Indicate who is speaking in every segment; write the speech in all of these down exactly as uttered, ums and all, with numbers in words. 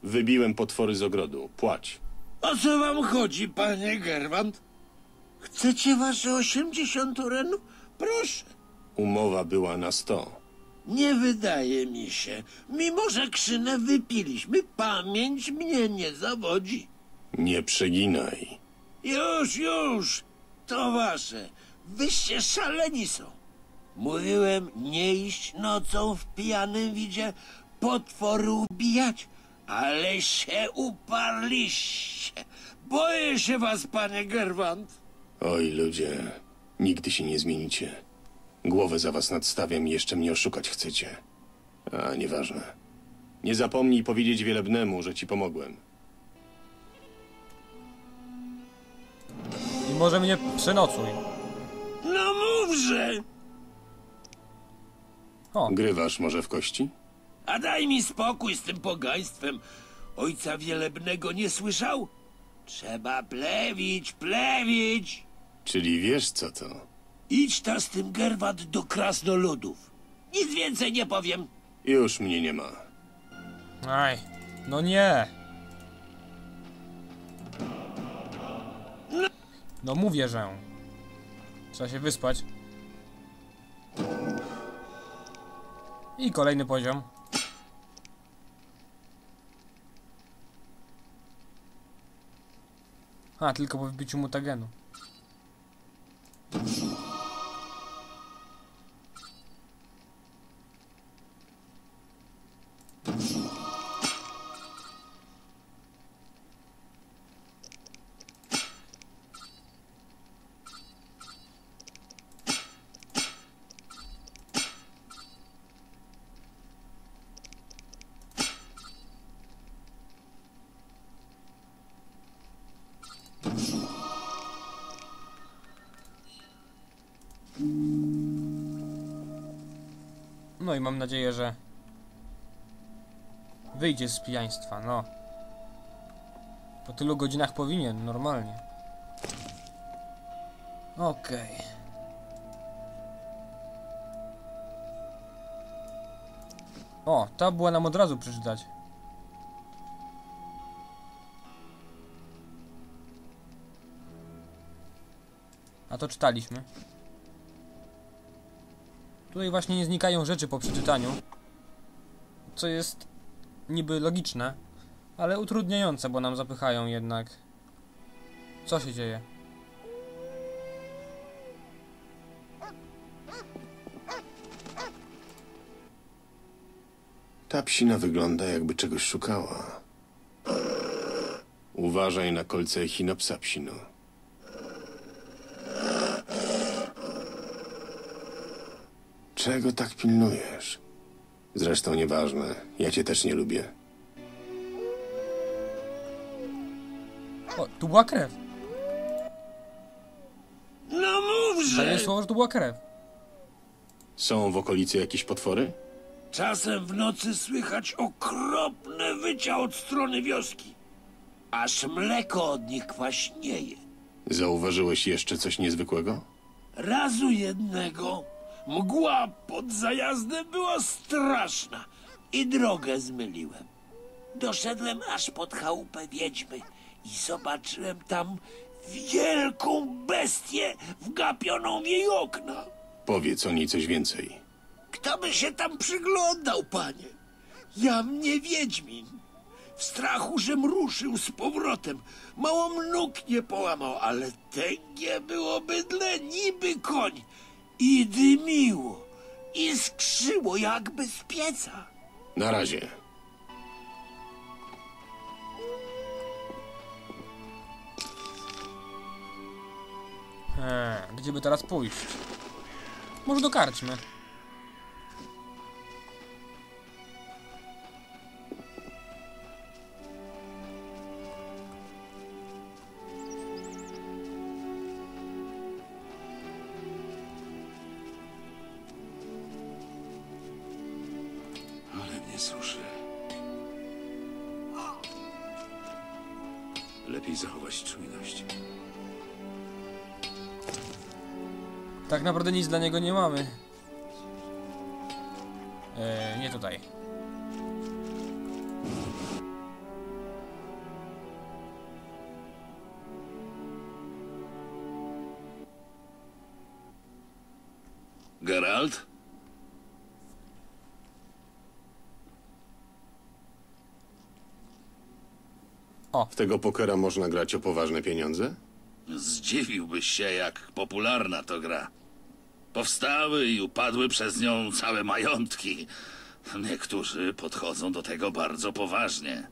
Speaker 1: Wybiłem potwory z ogrodu. Płać.
Speaker 2: O co wam chodzi, panie Gerwant? Chcecie wasze osiemdziesiąt urenów? Proszę.
Speaker 1: Umowa była na sto.
Speaker 2: Nie wydaje mi się. Mimo że krzynę wypiliśmy, pamięć mnie nie zawodzi.
Speaker 1: Nie przeginaj.
Speaker 2: Już, już. To wasze. Wyście szaleni są. Mówiłem nie iść nocą w pijanym widzie potwory ubijać, ale się uparliście. Boję się was, panie Gerwant.
Speaker 1: Oj, ludzie, nigdy się nie zmienicie. Głowę za was nadstawiam i jeszcze mnie oszukać chcecie. A, nieważne. Nie zapomnij powiedzieć Wielebnemu, że ci pomogłem.
Speaker 3: I może mnie przenocuj.
Speaker 2: No mówże!
Speaker 3: O,
Speaker 1: Grywasz może w kości?
Speaker 2: A daj mi spokój z tym pogaństwem. Ojca Wielebnego nie słyszał? Trzeba plewić, plewić.
Speaker 1: Czyli wiesz co to?
Speaker 2: Idź ta z tym Gerwant do krasnoludów. Nic więcej nie powiem.
Speaker 1: Już mnie nie ma.
Speaker 3: aj, no nie. No mówię, że trzeba się wyspać. I kolejny poziom. A, tylko po wbiciu mutagenu. No i mam nadzieję, że wyjdzie z pijaństwa, no. Po tylu godzinach powinien, normalnie. Okej. Okay. O, ta była nam od razu przeczytać. A to czytaliśmy. Tutaj właśnie nie znikają rzeczy po przeczytaniu, co jest niby logiczne, ale utrudniające, bo nam zapychają jednak. Co się dzieje?
Speaker 1: Ta psina wygląda, jakby czegoś szukała. Uważaj na kolce echinopsa, psino. Czego tak pilnujesz? Zresztą nieważne, ja cię też nie lubię.
Speaker 3: O, tu była krew.
Speaker 2: No mówże!
Speaker 3: Daję słowo, że tu była krew.
Speaker 1: Są w okolicy jakieś potwory?
Speaker 2: Czasem w nocy słychać okropne wycia od strony wioski. Aż mleko od nich kwaśnieje.
Speaker 1: Zauważyłeś jeszcze coś niezwykłego?
Speaker 2: Razu jednego mgła pod zajazdem była straszna i drogę zmyliłem. Doszedłem aż pod chałupę wiedźmy i zobaczyłem tam wielką bestię wgapioną w jej okna.
Speaker 1: Powiedz o niej coś więcej.
Speaker 2: Kto by się tam przyglądał, panie? Jam nie wiedźmin. W strachu, żem ruszył z powrotem. Mało nóg nie połamał, ale tęgie było bydle niby koń. I dymiło, i skrzyło jakby z pieca.
Speaker 1: Na razie.
Speaker 3: Eee, gdzie by teraz pójść? Może do karczmy.
Speaker 4: Ale mnie suszy. Lepiej zachować czujność.
Speaker 3: Tak naprawdę nic dla niego nie mamy. Eee, nie tutaj.
Speaker 4: Geralt?
Speaker 1: W tego pokera można grać o poważne pieniądze?
Speaker 4: Zdziwiłbyś się, jak popularna to gra. Powstały i upadły przez nią całe majątki. Niektórzy podchodzą do tego bardzo poważnie.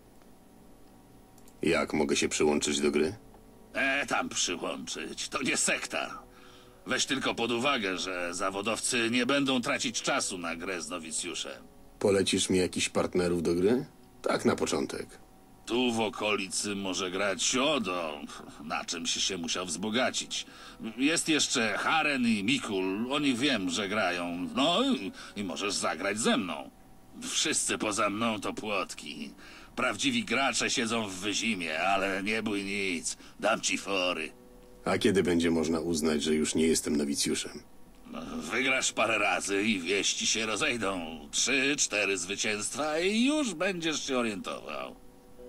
Speaker 1: Jak mogę się przyłączyć do gry?
Speaker 4: E, tam przyłączyć. To nie sekta. Weź tylko pod uwagę, że zawodowcy nie będą tracić czasu na grę z nowicjuszem.
Speaker 1: Polecisz mi jakichś partnerów do gry? Tak na początek.
Speaker 4: Tu w okolicy może grać Siodo, na czymś się musiał wzbogacić. Jest jeszcze Haren i Mikul, o nich wiem, że grają. No i, i możesz zagrać ze mną. Wszyscy poza mną to płotki. Prawdziwi gracze siedzą w wyzimie, ale nie bój nic, dam ci fory.
Speaker 1: A kiedy będzie można uznać, że już nie jestem nowicjuszem?
Speaker 4: Wygrasz parę razy i wieści się rozejdą. Trzy, cztery zwycięstwa i już będziesz się orientował.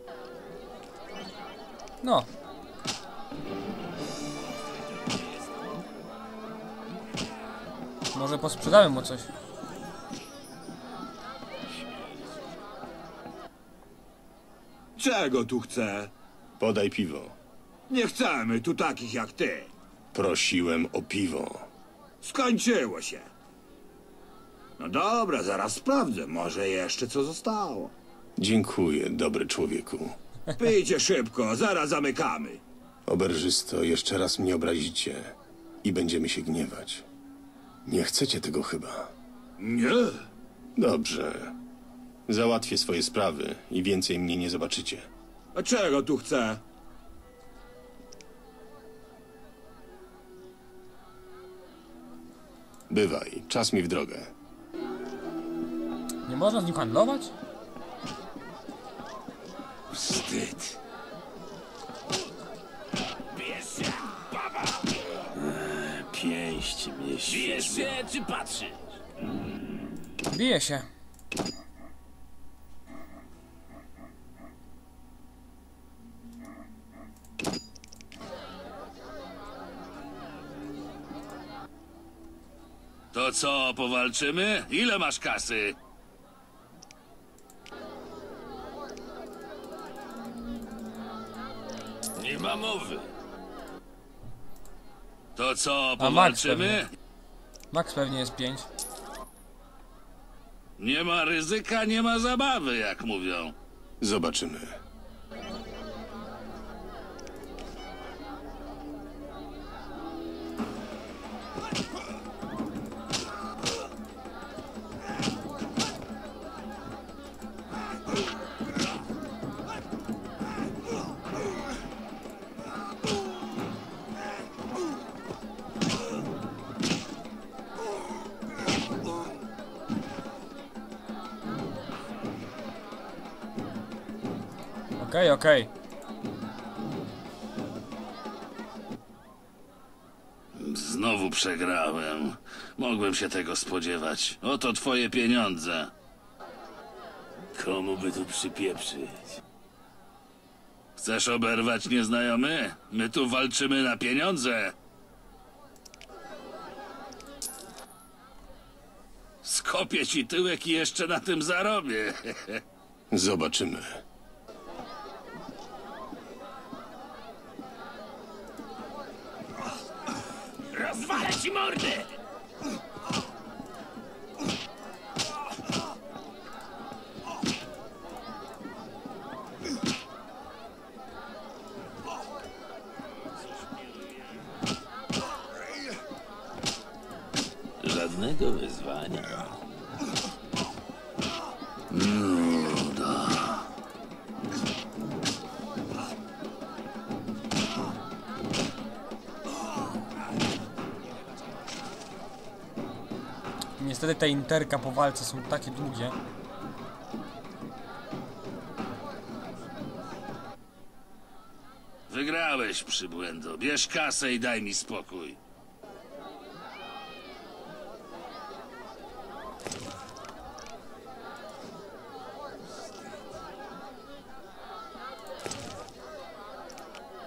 Speaker 3: No. Może posprzedałem mu coś.
Speaker 2: Czego tu chce?
Speaker 1: Podaj piwo.
Speaker 2: Nie chcemy tu takich jak ty.
Speaker 1: Prosiłem o piwo.
Speaker 2: Skończyło się. No dobra, zaraz sprawdzę. Może jeszcze co zostało.
Speaker 1: Dziękuję, dobry człowieku.
Speaker 2: Pijcie szybko, zaraz zamykamy.
Speaker 1: Oberżysto, jeszcze raz mnie obrazicie i będziemy się gniewać. Nie chcecie tego chyba.
Speaker 2: Nie.
Speaker 1: Dobrze. Załatwię swoje sprawy i więcej mnie nie zobaczycie.
Speaker 2: A czego tu chce?
Speaker 1: Bywaj, czas mi w drogę.
Speaker 3: Nie można z nim handlować?
Speaker 2: Wstyd. Pięść mnie świeżo.
Speaker 5: czy patrzysz?
Speaker 3: Bije się.
Speaker 4: To co, powalczymy? Ile masz kasy?
Speaker 5: Nie ma mowy.
Speaker 4: To co,
Speaker 3: A Max
Speaker 4: powalczymy?
Speaker 3: Max pewnie jest pięć.
Speaker 4: Nie ma ryzyka, nie ma zabawy, jak mówią.
Speaker 1: Zobaczymy.
Speaker 3: Okej, okej.
Speaker 4: Znowu przegrałem. Mogłem się tego spodziewać. Oto twoje pieniądze.
Speaker 5: Komu by tu przypieprzyć?
Speaker 4: Chcesz oberwać nieznajomy? My tu walczymy na pieniądze. Skopię ci tyłek i jeszcze na tym zarobię.
Speaker 1: Zobaczymy.
Speaker 5: Rozwalę ci mordę! Żadnego wyzwania.
Speaker 3: Niestety te interka po walce są takie długie.
Speaker 4: Wygrałeś, przybłędo. Bierz kasę i daj mi spokój.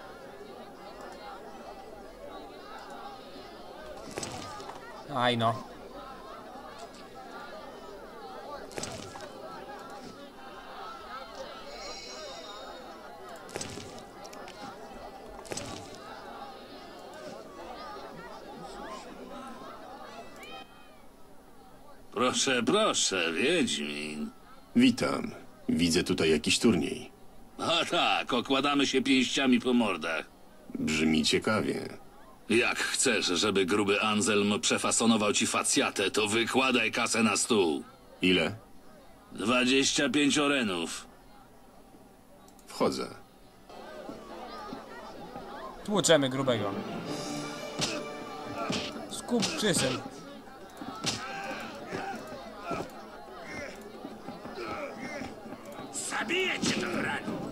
Speaker 3: Aj no.
Speaker 4: Proszę, proszę, Wiedźmin.
Speaker 1: Witam. Widzę tutaj jakiś turniej.
Speaker 4: A tak, okładamy się pięściami po mordach.
Speaker 1: Brzmi ciekawie.
Speaker 4: Jak chcesz, żeby gruby Anselm przefasonował ci facjatę, to wykładaj kasę na stół.
Speaker 1: Ile?
Speaker 4: Dwadzieścia pięć orenów.
Speaker 1: Wchodzę.
Speaker 3: Tłuczemy grubego. Skup przysyn.
Speaker 2: Zabiję cię do ranu.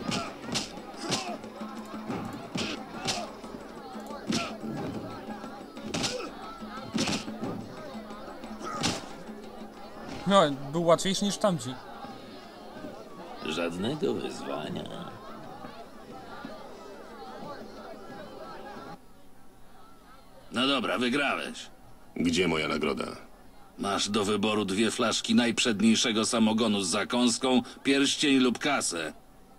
Speaker 3: No, był łatwiejszy niż tamci.
Speaker 5: Żadnego wyzwania.
Speaker 4: No dobra, wygrałeś.
Speaker 1: Gdzie moja nagroda?
Speaker 4: Masz do wyboru dwie flaszki najprzedniejszego samogonu z zakąską, pierścień lub kasę.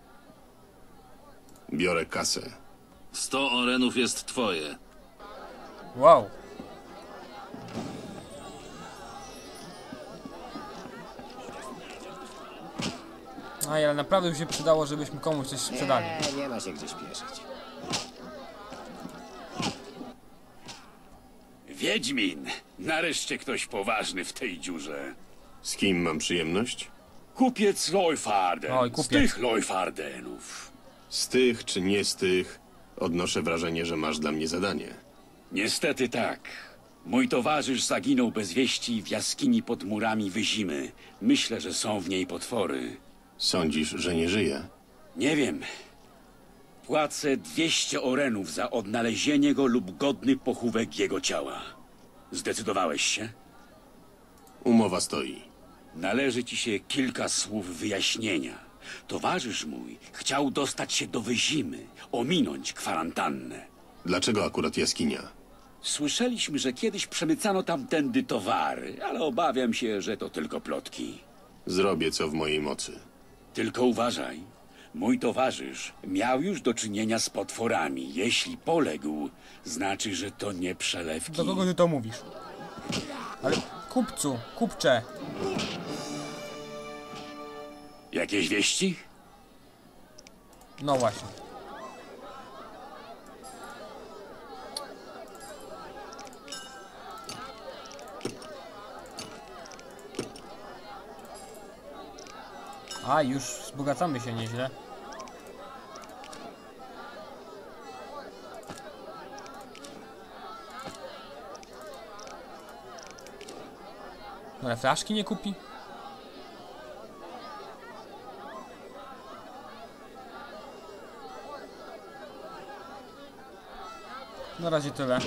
Speaker 1: Biorę kasę.
Speaker 4: Sto orenów jest twoje.
Speaker 3: Wow. Aj, ale naprawdę by się przydało, żebyśmy komuś coś sprzedali.
Speaker 6: Nie, nie ma się gdzie śpieszyć.
Speaker 7: Wiedźmin! Nareszcie ktoś poważny w tej dziurze.
Speaker 1: Z kim mam przyjemność?
Speaker 7: Kupiec Leufarden.
Speaker 3: Oj,
Speaker 7: Z
Speaker 3: kupiec.
Speaker 7: tych Leufardenów.
Speaker 1: Z tych czy nie z tych, odnoszę wrażenie, że masz dla mnie zadanie.
Speaker 7: Niestety tak. Mój towarzysz zaginął bez wieści w jaskini pod murami Wyzimy. Myślę, że są w niej potwory.
Speaker 1: Sądzisz, że nie żyje?
Speaker 7: Nie wiem. Płacę dwieście orenów za odnalezienie go lub godny pochówek jego ciała. Zdecydowałeś się?
Speaker 1: Umowa stoi.
Speaker 7: Należy ci się kilka słów wyjaśnienia. Towarzysz mój chciał dostać się do Wyzimy, ominąć kwarantannę.
Speaker 1: Dlaczego akurat jaskinia?
Speaker 7: Słyszeliśmy, że kiedyś przemycano tamtędy towary, ale obawiam się, że to tylko plotki.
Speaker 1: Zrobię co w mojej mocy.
Speaker 7: Tylko uważaj. Mój towarzysz miał już do czynienia z potworami. Jeśli poległ, znaczy, że to nie przelewki.
Speaker 3: Do kogo ty to mówisz? Ale kupcu, kupcze.
Speaker 7: Jakieś wieści?
Speaker 3: No właśnie. A, już wzbogacamy się nieźle. No ale flaszki nie kupi? Na razie tyle.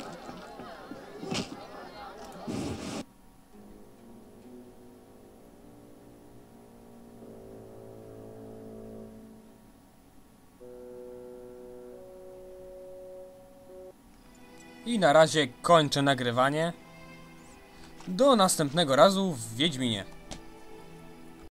Speaker 3: I na razie kończę nagrywanie. Do następnego razu w Wiedźminie.